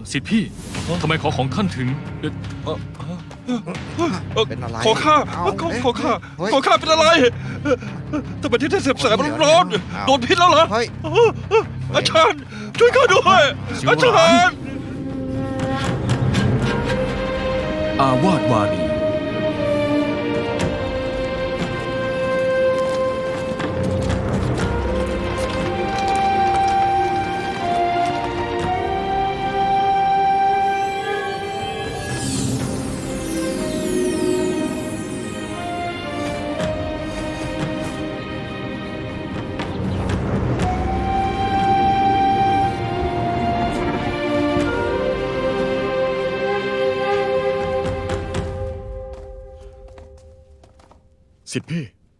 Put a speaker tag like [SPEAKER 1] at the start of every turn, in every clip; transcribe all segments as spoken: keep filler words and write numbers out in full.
[SPEAKER 1] สิทธิพี่ทำไมขอของท่านถึงเอ่อ
[SPEAKER 2] เอ่อเอ่อ
[SPEAKER 3] เป็นอะไร
[SPEAKER 2] ขอข้า
[SPEAKER 3] เอ้า
[SPEAKER 2] ขอ
[SPEAKER 3] เอ๊ะ
[SPEAKER 2] ขอข้า
[SPEAKER 3] เฮ้ย
[SPEAKER 2] ขอข้าเป็นอะไรทำไมที่ท่านเสียบแสบมันร้อน
[SPEAKER 3] เดี๋ยว
[SPEAKER 2] โดนพิษแล้วเหรอ
[SPEAKER 3] เฮ้ย
[SPEAKER 2] อาจารย์ช่วยข้าด้วยอาจารย์
[SPEAKER 1] อาวาสวารี
[SPEAKER 4] สิทธิพี่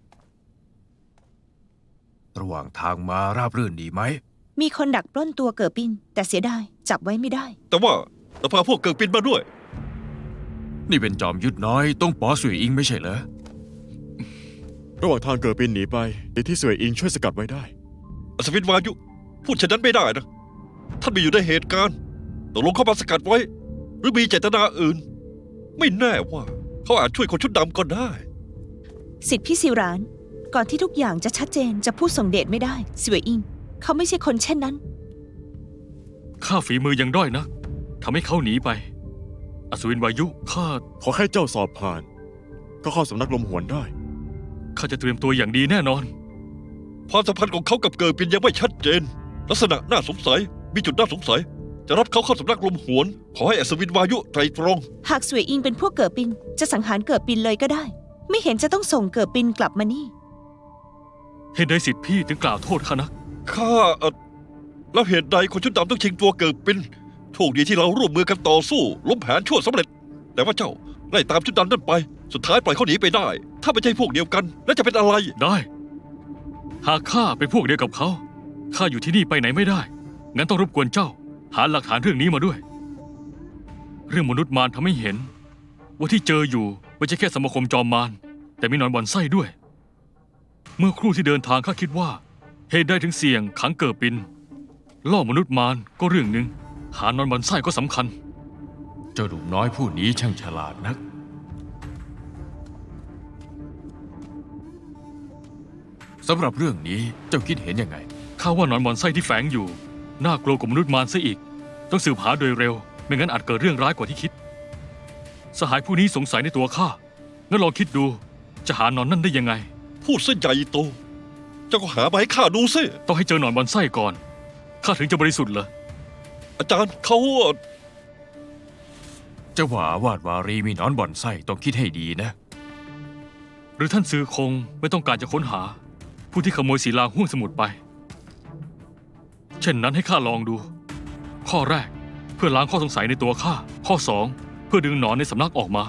[SPEAKER 4] ระหว่างทางมาราบรื่นดีไหม
[SPEAKER 5] มีคนดักปล้นตัวเกิดปินแต่เสียดายจับไว้ไม่ได้
[SPEAKER 2] แต่ว่าเราพาพวกเกิดปินมาด้วย
[SPEAKER 4] นี่เป็นจอมยุทธน้อยต้องป๋อสวยอิงไม่ใช่เหรอ
[SPEAKER 6] ระหว่างทางเกิดปินหนีไปเดี๋ยวที่สวยอิงช่วยสกัดไว้ได้
[SPEAKER 2] อัศวินวายุพูดเช่นนั้นไม่ได้นะท่านไม่อยู่ในเหตุการณ์ตกลงเข้ามาสกัดไว้ หรือมีเจตนาอื่น ไม่แน่ว่าเขาอาจช่วยคนชุดดำก็ได้
[SPEAKER 5] สิทธิพี่สิรานก่อนที่ทุกอย่างจะชัดเจนจะพูดส่งเดชไม่ได้สวยอิง เขาไม่ใช่คนเช่นนั้น
[SPEAKER 1] ข้าฝีมือยังด้อยนะทำให้เขาหนีไปอัศวินวายุข้า
[SPEAKER 6] ขอแค่เจ้าสอบผ่าน ก็เข้าสำนักลมหวนได้
[SPEAKER 1] ข้าจะเตรียมตัวอย่างดีแน่นอน
[SPEAKER 2] ความสัมพันธ์ของเขากับเกิดปินยังไม่ชัดเจน ลักษณะน่าสงสัย มีจุดน่าสงสัย จะรับเขาเข้าสำนักลมหวน ขอให้อัศวินวายุไตรตรอง
[SPEAKER 5] หากสวยอิงเป็นพวกเกิดปินจะสังหารเกิดปินเลยก็ได้ ไม่เห็นจะต้องส่งเกิดปินกลับมานี่
[SPEAKER 1] เหตุใดสิทธิพี่ถึงกล่าวโทษข้านัก
[SPEAKER 2] ข้าเอ่อแล้วเหตุใดคนชุดดำต้องชิงตัวเกิดปินโชคดีที่เราร่วมมือกันต่อสู้ล้มแผนชั่วสำเร็จ แต่ว่าเจ้าไล่ตามชุดดำนั่นไป สุดท้ายปล่อยเขาหนีไปได้ ถ้าไม่ใช่พวกเดียวกัน แล้วจะเป็นอะไร
[SPEAKER 1] ได้ หากข้าเป็นพวกเดียวกับเขาข้าอยู่ที่นี่ไปไหนไม่ได้ งั้นต้องรบกวนเจ้า หาหลักฐานเรื่องนี้มาด้วย เรื่องมนุษย์มารทำให้เห็น ว่าที่เจออยู่ไม่ใช่แค่สมาคมจอมมารแต่มีหนอนบ่อนไส้ด้วย เมื่อครู่ที่เดินทางข้าคิดว่าเหตุใดถึงเสี่ยงขังเกิดปินล่อมนุษย์มารก็เรื่องหนึ่งหานอนบ่อนไส้ก็สำคัญ
[SPEAKER 4] เจ้าหนุ่มน้อยผู้นี้ช่างฉลาดนัก สำหรับเรื่องนี้เจ้าคิดเห็นยังไง
[SPEAKER 1] ข้าว่าหนอนบ่อนไส้ที่แฝงอยู่น่ากลัวกว่ามนุษย์มารซะอีก ต้องสืบหาโดยเร็ว ไม่งั้นอาจเกิดเรื่องร้ายกว่าที่คิด สหายผู้นี้สงสัยในตัวข้างั้นลองคิดดูจะหาหนอนนั่นได้ยังไง
[SPEAKER 2] พูดซะใหญ่โต เจ้าก็หามาให้ข้าดูสิ
[SPEAKER 1] ต้องให้เจอหนอนบ่อนไส้ก่อนข้าถึงจะบริสุทธิ์เหรอ
[SPEAKER 2] อาจารย์เขา
[SPEAKER 4] เจ้าว่าอาวาสวารีมีหนอนบ่อนไส้ต้องคิดให้ดีนะ
[SPEAKER 1] หรือท่านซือคงไม่ต้องการจะค้นหา ผู้ที่ขโมยศิลาห้วงสมุทรไป เช่นนั้นให้ข้าลองดู ข้อแรกเพื่อล้างข้อสงสัยในตัวข้าข้อสองเพื่อดึงหนอนในสำนักออกมา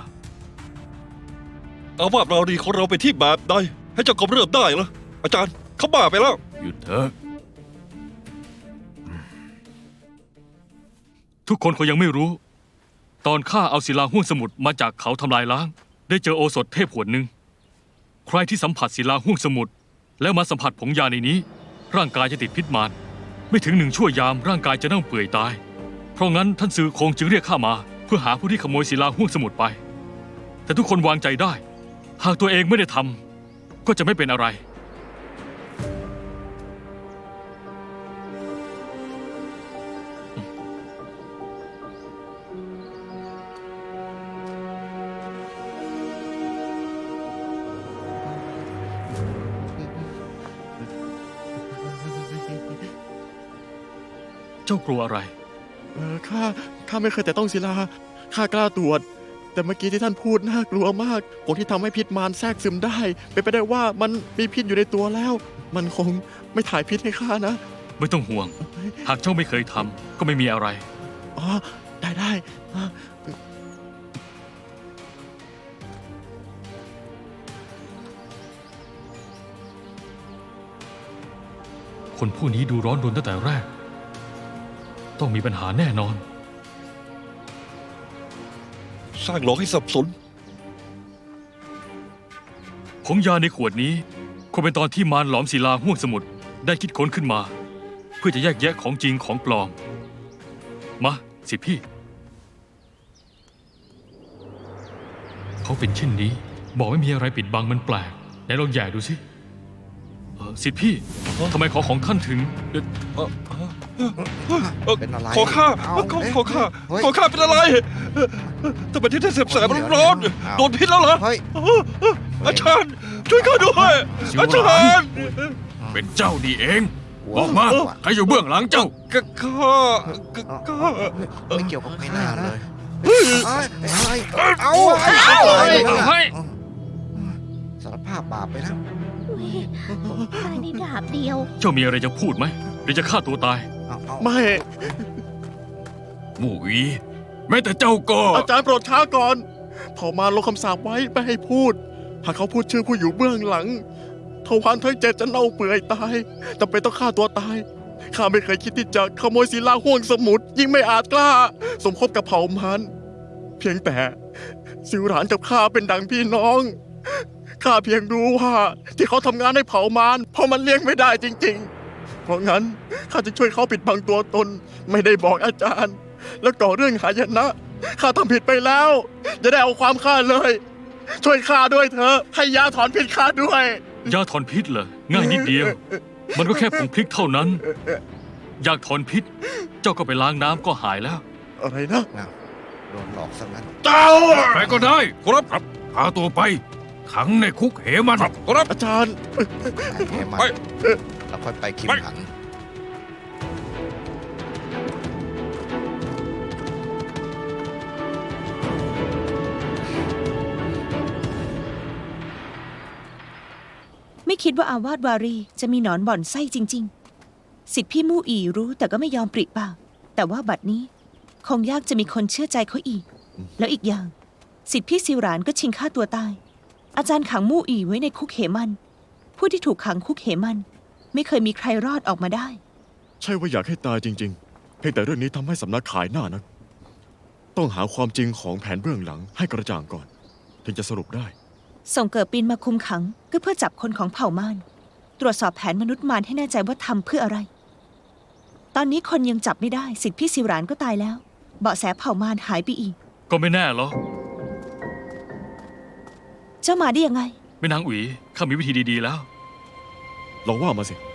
[SPEAKER 2] อาวาสรารีของเราไปที่แบบใดให้เจ้ากำเริบได้เหรออาจารย์เขาบ้าไปแล้ว
[SPEAKER 4] หยุดเถอะ
[SPEAKER 1] ทุกคนคงยังไม่รู้ ตอนข้าเอาศิลาห้วงสมุทรมาจากเขาทำลายล้าง ได้เจอโอสถเทพขวดหนึ่งใครที่สัมผัสศิลาห้วงสมุทรแล้วมาสัมผัสผงยาในนี้ ร่างกายจะติดพิษมารไม่ถึงหนึ่งชั่วยามร่างกายจะเน่าเปื่อยตาย เพราะงั้นท่านซือคงจึงเรียกข้ามา เพื่อหาผู้ที่ขโมยศิลาห้วงสมุทรไป แต่ทุกคนวางใจได้ หากตัวเองไม่ได้ทำก็จะไม่เป็นอะไร เจ้ากลัวอะไร
[SPEAKER 6] เออข้าข้าไม่เคยแต่ต้องศิลาข้ากล้าตรวจ แต่เมื่อกี้ที่ท่านพูดน่ากลัวมากผลที่ทำให้พิษมารแทรกซึมได้ เป็นไปได้ว่ามันมีพิษอยู่ในตัวแล้ว มันคงไม่ถ่ายพิษให้ข้านะ
[SPEAKER 1] ไม่ต้องห่วง หากเจ้าไม่เคยทำก็ไม่มีอะไร
[SPEAKER 6] อ๋อ ได้ได้อ่ะ
[SPEAKER 1] คนผู้นี้ดูร้อนรนตั้งแต่แรก ต้องมีปัญหาแน่นอน
[SPEAKER 2] สร้างหลอกให้สับสน
[SPEAKER 1] ผงยาในขวดนี้คงเป็นตอนที่มารหลอมศิลาห้วงสมุทรได้คิดค้นขึ้นมา เพื่อจะแยกแยะของจริงของปลอม มาสิทธิพี่ เขาเป็นเช่นนี้ บอกไม่มีอะไรปิดบังมันแปลกไหนลองแย่ดูสิเอ่อสิทธิพี่ทำไมขอของท่านถึงเอ่อ
[SPEAKER 2] เอ่อเอ่อ
[SPEAKER 3] เป็นอะไร
[SPEAKER 2] ขอข้า
[SPEAKER 3] เอ้า
[SPEAKER 2] ขอ
[SPEAKER 3] เอ๊ะ
[SPEAKER 2] ขอข้า
[SPEAKER 3] เฮ้ย
[SPEAKER 2] ขอข้าเป็นอะไรทำไมที่ท่านเสียบแสบมันร้อน
[SPEAKER 3] เดี๋ยว
[SPEAKER 2] โดนพิษแล้วเหรอ
[SPEAKER 3] เฮ้ย
[SPEAKER 2] อาจารย์ ช่วยข้าด้วย
[SPEAKER 4] สิว
[SPEAKER 2] อา
[SPEAKER 4] หลา
[SPEAKER 2] จาน รย์
[SPEAKER 4] เป็นเจ้านี่เองบอกมาใครอยู่เบื้องหลังเจ้า
[SPEAKER 2] ก็ข้าก็ข้า
[SPEAKER 3] ไม่เกี่ยวกับไม่น่าเลย
[SPEAKER 2] เฮ้ย
[SPEAKER 3] เอ้ยเอ้ยเอา
[SPEAKER 4] เฮ้ย
[SPEAKER 3] เอา
[SPEAKER 4] เฮ้ย
[SPEAKER 3] สารภาพบาปไปแล้ว
[SPEAKER 7] ตายในดาบเดียว
[SPEAKER 1] เจ้ามีอะไรจะพูดไหมหรือจะฆ่าตัวตาย
[SPEAKER 3] เอาเอา
[SPEAKER 6] ไม่
[SPEAKER 4] หมู่อีแม้แต่เจ้าก็
[SPEAKER 6] อาจารย์โปรดช้าก่อนเผ่ามารลงคำสาปไว้ไม่ให้พูด หากเขาพูดชื่อผู้อยู่เบื้องหลังทวารทั้งเจ็ดจะเน่าเปื่อยตายจำเป็นต้องฆ่าตัวตาย ข้าไม่เคยคิดที่จะขโมยศิลาห่วงสมุทรยิ่งไม่อาจกล้า สมคบกับเผ่ามารเพียงแต่สิวหลานกับข้าเป็นดังพี่น้อง ข้าเพียงรู้ว่าที่เขาทำงานให้เผ่ามารเพราะมันเลี้ยงไม่ได้จริง ๆ เพราะงั้นข้าจะช่วยเขาปิดบังตัวตน ไม่ได้บอกอาจารย์ แล้วก่อเรื่องหายนะข้าทำผิดไปแล้วจะได้เอาความข้าเลย ช่วยข้าด้วยเถอะให้ยาถอนพิษข้าด้วย
[SPEAKER 1] ยาถอนพิษเหรอ ง่ายนิดเดียว มันก็แค่ผงพริกเท่านั้น อยากถอนพิษ เจ้าก็ไปล้างน้ำก็หายแล้ว
[SPEAKER 6] อะไรนะ
[SPEAKER 3] เอาโดนหลอกซะงั้น
[SPEAKER 2] เจ้า
[SPEAKER 4] ใครก็ได้ครับพาตัวไป ขังในคุกเหมัน
[SPEAKER 2] ครับ
[SPEAKER 6] อาจารย์
[SPEAKER 3] ไอ้แหมัน
[SPEAKER 2] ไป
[SPEAKER 3] แล้วค่อยไปคิม
[SPEAKER 2] ไป
[SPEAKER 3] หัน
[SPEAKER 5] ไม่คิดว่าอาวาสวารีจะมีหนอนบ่อนไส้จริง ๆ สิทธิพี่มู่อีรู้แต่ก็ไม่ยอมปริปาก แต่ว่าบัดนี้ คงยากจะมีคนเชื่อใจเขาอีก แล้วอีกอย่าง สิทธิพี่ซิวหรานก็ชิงฆ่าตัวตาย อาจารย์ขังมู่อีไว้ในคุกเหมัน ผู้ที่ถูกขังคุกเหมัน ไม่เคยมีใครรอดออกมาได้
[SPEAKER 6] ใช่ว่าอยากให้ตายจริง ๆ เพียงแต่เรื่องนี้ทำให้สำนักขายหน้านัก ต้องหาความจริงของแผนเบื้องหลังให้กระจ่างก่อน ถึงจะสรุปได้
[SPEAKER 5] ส่งเกิดปีนมาคุมขังก็เพื่อจับคนของเผ่ามารตรวจสอบแผนมนุษย์มารให้แน่ใจว่าทำเพื่ออะไร ตอนนี้คนยังจับไม่ได้สิทธิพี่ซิวหรานก็ตายแล้ว เบาะแสเผ่ามารหายไปอีก
[SPEAKER 1] ก็ไม่แน่หรอก
[SPEAKER 5] เจ้ามาได้ยังไง
[SPEAKER 1] แม่นางอุ๋ยข้ามีวิธีดีๆแล้ว
[SPEAKER 6] ลองว่ามาสิ